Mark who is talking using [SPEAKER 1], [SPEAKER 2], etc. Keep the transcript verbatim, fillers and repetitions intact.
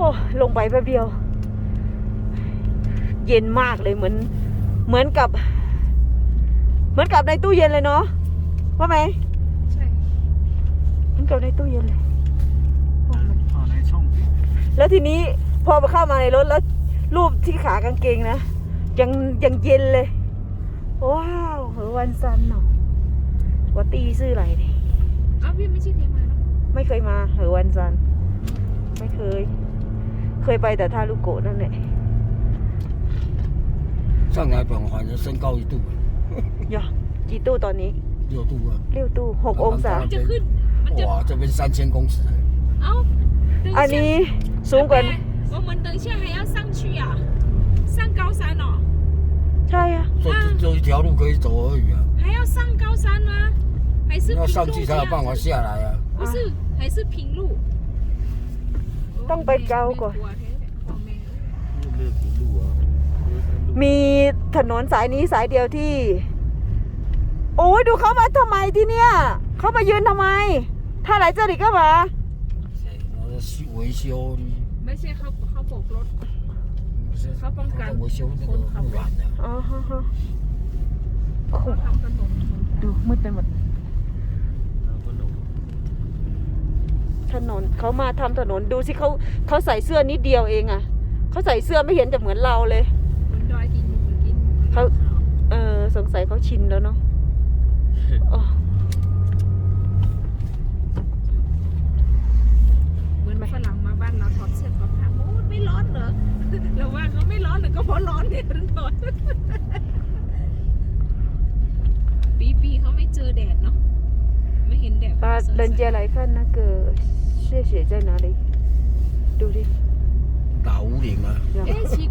[SPEAKER 1] อ้ลงไปแป๊บเดียวเย็นมากเลยเหมือนเหมือนกับเหมือนกับในตู้เย็นเลยเนาะว่าไหม
[SPEAKER 2] ใช่
[SPEAKER 1] เหมือนกับในตู้เย็นเลย
[SPEAKER 3] เอาในช่อง
[SPEAKER 1] แล้วทีนี้พอไปเข้ามาในรถแล้วรูปที่ขากางเกงนะยังยังเย็นเลยว้าวเหอวันซันเนาะว่าตีซื้ออะไรดิ
[SPEAKER 2] อ้าวพี่ไม่ใช่เคยมาแล้ว
[SPEAKER 1] ไม่เคยมาเหอวันซันไม่เคยเคยไปแต่ท่าลูกโกะนั่นแหละ
[SPEAKER 3] 上海本环的升高一度
[SPEAKER 1] อย่ากี่ตู้ตอนนี้
[SPEAKER 3] 六度啊
[SPEAKER 1] เลี้ยวตู้หกองศา
[SPEAKER 2] มันจะขึ้นมันจะ
[SPEAKER 3] 哇这边三千公尺
[SPEAKER 2] เอ้า
[SPEAKER 1] อันนี้สูงกว่า
[SPEAKER 2] 我们等一下还要上去啊上高山哦
[SPEAKER 1] ใช่อะ
[SPEAKER 3] 就就一条路可以走而已啊
[SPEAKER 2] 还要上高山吗还是
[SPEAKER 3] 要上去才有办法下来啊
[SPEAKER 2] 不是还是平路
[SPEAKER 1] ต้องไปเกาก่อน
[SPEAKER 3] 没有平路啊
[SPEAKER 1] มีถนนสายนี้สายเดียวที่โอ้ยดูเขามาทำไมที่เนี่ยเขามายืนทำไมถ้าไหลเจอริก็มา
[SPEAKER 3] 维修
[SPEAKER 2] ไม่ใช่เขาเขาโบกรถเขาป้องกัน
[SPEAKER 3] 维修这个护栏的
[SPEAKER 1] อ๋อฮะฮะ
[SPEAKER 2] เขาทำถนน
[SPEAKER 1] ดูมืดไปหมดถนนเขามาทำถนนดูสิเขาเขาใส่เสื้อนิดเดียวเองอะเขาใส่เสื้อไม่เห็นจะเหมือนเราเลย
[SPEAKER 2] บนดอยกินกิน
[SPEAKER 1] เขาเออสงสัยเขาชินแล้วเนาะอ๋อ
[SPEAKER 2] เหมือนฝรั่งมาบ้านเราถอดเสื้อถอดผ้าโอ้ไม่ร้อนเหรอเราว่าเขาไม่ร้อนหรือก็เพราะร้อนเนี่ยถึงถอดปีปีเขาไม่เจอแดดเนาะไม่เห็นแดด
[SPEAKER 1] 把人家来看那个谢雪在哪里ดูดิ
[SPEAKER 3] 打五岭啊
[SPEAKER 2] 哎，其